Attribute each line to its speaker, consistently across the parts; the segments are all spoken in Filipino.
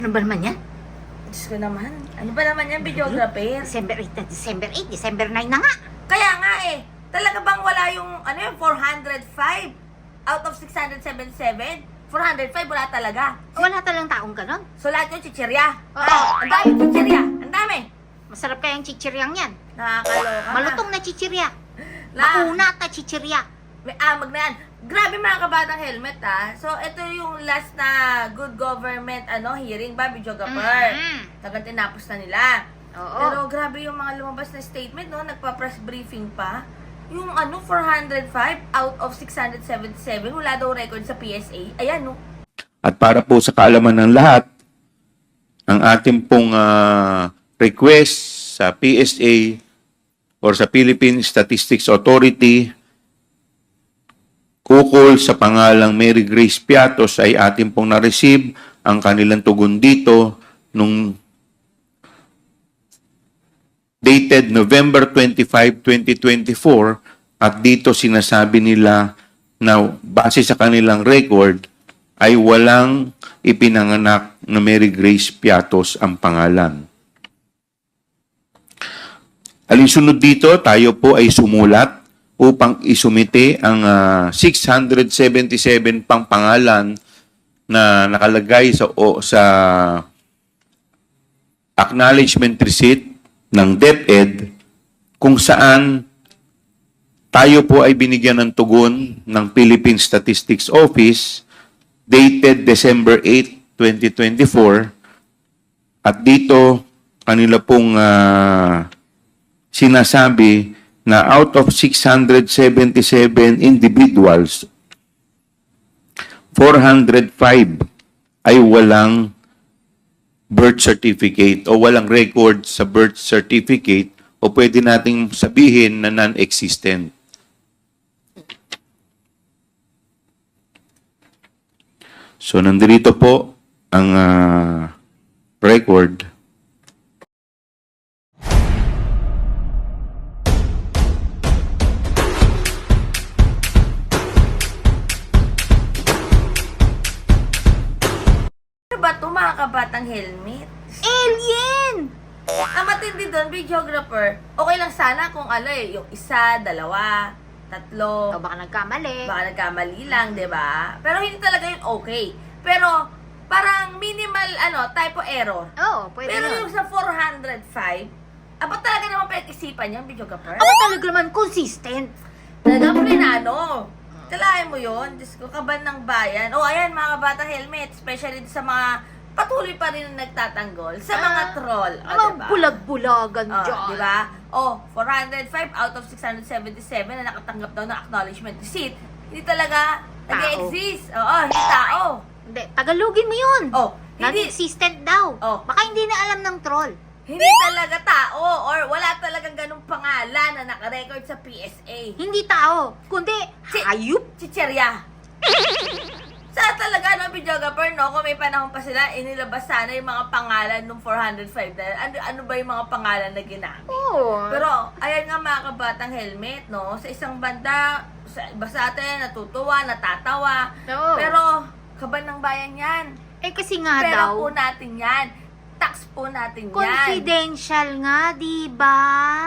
Speaker 1: Ano ba naman yan?
Speaker 2: Diyos ko naman. Ano ba naman yan, videographer?
Speaker 1: December 8 na, December 8, December 9 na nga.
Speaker 2: Kaya nga eh. Talaga bang wala yung, 405 out of 677? 405 wala talaga.
Speaker 1: Wala talagang taong ganon.
Speaker 2: So lahat yung chichirya.
Speaker 1: Oo.
Speaker 2: Ang dami chichirya. Ang dami.
Speaker 1: Masarap kayang chichiryang yan.
Speaker 2: Nakakaloka na.
Speaker 1: Malutong na chichirya.
Speaker 2: Na-
Speaker 1: Maunat na chichirya.
Speaker 2: May amag na yan. Grabe mga kabatang helmet So ito yung last na good government hearing ba, videographer. Tagang tinapos na nila.
Speaker 1: Oo.
Speaker 2: Pero grabe yung mga lumabas na statement, no? Nagpa-press briefing pa. Yung 405 out of 677, wala daw record sa PSA. Ayan, no?
Speaker 3: At para po sa kaalaman ng lahat, ang ating pong request sa PSA or sa Philippine Statistics Authority kukol sa pangalang Mary Grace Piatos ay ating pong na-receive ang kanilang tugon dito nung dated November 25, 2024 at dito sinasabi nila na base sa kanilang record ay walang ipinanganak na Mary Grace Piatos ang pangalan. Alinsunod dito, tayo po ay sumulat upang isumite ang 677 pang pangalan na nakalagay sa acknowledgement receipt ng DepEd kung saan tayo po ay binigyan ng tugon ng Philippine Statistics Office dated December 8, 2024 at dito kanila pong sinasabi na out of 677 individuals, 405 ay walang birth certificate o walang record sa birth certificate o pwede nating sabihin na non-existent. So, nandito po ang record.
Speaker 2: Ano ba ito mga kabatang helmet?
Speaker 1: Alien!
Speaker 2: Ang matindi doon, videographer, okay lang sana kung yung isa, dalawa, tatlo,
Speaker 1: O baka nagkamali.
Speaker 2: baka nagkamali lang, di ba? Pero hindi talaga yun okay. Pero, parang minimal, typo error.
Speaker 1: Oo, pwede
Speaker 2: Pero
Speaker 1: yun.
Speaker 2: yung sa 405, apat talaga naman pinag-isipan yung videographer.
Speaker 1: Ako talaga naman consistent.
Speaker 2: Talagang plinano. Kalahin mo yun. Diyos ko, kaban ng bayan. O, ayan, mga kabatang helmet. Especially sa mga patuloy pa rin na nagtatanggol. Sa mga troll. O,
Speaker 1: Mga
Speaker 2: diba?
Speaker 1: bulag-bulagan
Speaker 2: O,
Speaker 1: dyan.
Speaker 2: diba? O, 405 out of 677 na nakatanggap daw ng acknowledgement receipt. Hindi talaga
Speaker 1: Tao.
Speaker 2: nag-exist. Oo, hindi tao.
Speaker 1: Hindi, Tagalogin mo yun.
Speaker 2: O, hindi,
Speaker 1: Non-existent daw.
Speaker 2: Oh.
Speaker 1: Baka hindi na alam ng troll.
Speaker 2: hindi talaga tao or wala talagang ganung pangalan na nakarecord sa PSA.
Speaker 1: Hindi tao, kundi hayop.
Speaker 2: Chicherya. Sa talaga, videographer, kung may panahon pa sila, inilabas sana yung mga pangalan ng 405 na, ano ba yung mga pangalan na ginamit.
Speaker 1: Oo.
Speaker 2: Pero, ayan nga mga kabatang helmet, sa isang banda, sa iba sa atin, natutuwa, natatawa.
Speaker 1: Oo.
Speaker 2: Pero, kaban ng bayan yan.
Speaker 1: Eh kasi nga
Speaker 2: Pera
Speaker 1: daw,
Speaker 2: po natin yan. Tax po natin yan.
Speaker 1: confidential nga, di ba?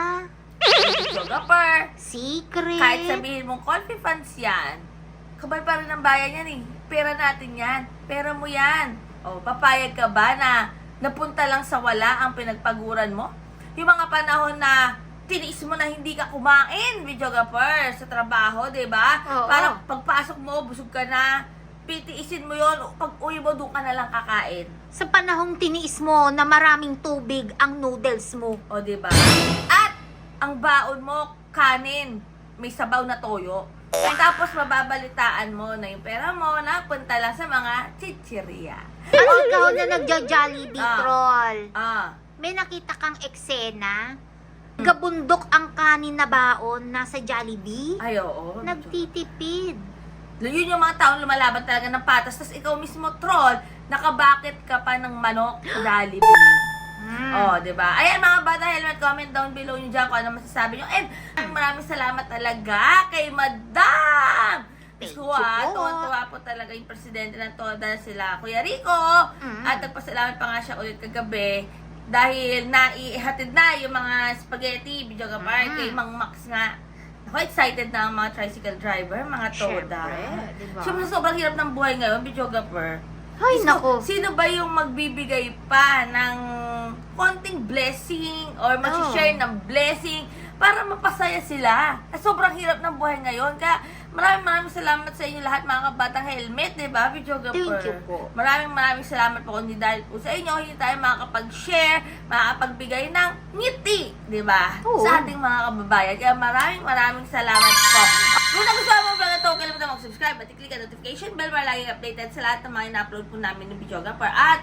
Speaker 2: Videographer,
Speaker 1: Secret.
Speaker 2: kahit sabihin mong coffee funds yan, kabal pa rin ng bayan yan eh. Pera natin yan. Pera mo yan. O, papayag ka ba na napunta lang sa wala ang pinagpaguran mo? Yung mga panahon na tiniis mo na hindi ka kumain, videographer, sa trabaho, di ba?
Speaker 1: Oo.
Speaker 2: Parang pagpasok mo, busog ka na, pitiisin mo yon, pag uwi mo, doon ka na lang kakain.
Speaker 1: Sa panahong tiniis mo na maraming tubig ang noodles mo.
Speaker 2: O, di ba? At, ang baon mo, kanin, may sabaw na toyo. At tapos mababalitaan mo na yung pera mo na punta lang sa mga chichirya.
Speaker 1: Ano ikaw na nagja-Jollibee
Speaker 2: Ah.
Speaker 1: troll?
Speaker 2: Ah,
Speaker 1: May nakita kang eksena? Gabundok ang kanin na baon nasa Jollibee?
Speaker 2: ay oo.
Speaker 1: Nagtitipid.
Speaker 2: Yun yung mga taong lumalaban talaga ng patas. Tapos ikaw mismo, troll, nakabakit ka pa ng manok sa Jollibee. Oh, di ba? Ayan mga bata helmet, comment down below nyo dyan kung ano masasabi nyo. And maraming salamat talaga kay Madam
Speaker 1: Thank
Speaker 2: Ko
Speaker 1: you po.
Speaker 2: tuwa po talaga yung presidente ng TODA sila, Kuya Rico. At nagpasalamat pa nga siya ulit kagabi dahil naihatid na yung mga spaghetti, video kay Mang Max nga. Ako, excited na ang mga tricycle driver, mga TODA.
Speaker 1: Syempre, diba?
Speaker 2: Siyempre, sobrang hirap ng buhay ngayon, videographer.
Speaker 1: Ay, nako.
Speaker 2: Sino ba yung magbibigay pa ng konting blessing or mag-share ng blessing para mapasaya sila? Sobrang hirap ng buhay ngayon. Kaya maraming salamat sa inyo lahat mga kabatang helmet, di ba, videographer?
Speaker 1: Thank you po.
Speaker 2: Maraming salamat po kundi dahil po sa inyo, hindi tayo makakapag-share, makakapagbigay ng ngiti, di ba?
Speaker 1: Oo.
Speaker 2: Sa ating mga kababayan. Kaya maraming salamat po. Kung nagustuhan mo ang vlog na ito, kalimutan mag-subscribe at i-click ang notification bell para laging updated sa lahat ng mga ina-upload po namin ng videographer. At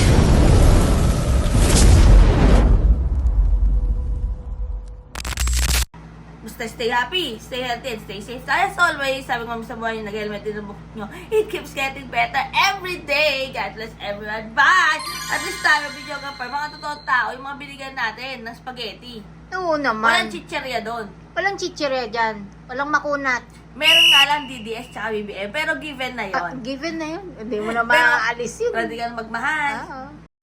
Speaker 2: basta stay happy, stay healthy, and stay safe. As always, sabi ko sa buhay nyo, nag-helmet din ang bukit nyo. It keeps getting better every day. God bless everyone. Bye! At this time, videographer, mga totoong tao, yung mga binigyan natin ng spaghetti.
Speaker 1: Oo naman.
Speaker 2: Walang chicherya doon.
Speaker 1: Walang chichirya dyan. Walang makunat.
Speaker 2: Meron nga lang DDS tsaka BBM, pero given na yon.
Speaker 1: Given na yun. Hindi mo na
Speaker 2: Pero,
Speaker 1: maaalis yun.
Speaker 2: Pwede ka na magmahal.
Speaker 1: Oo.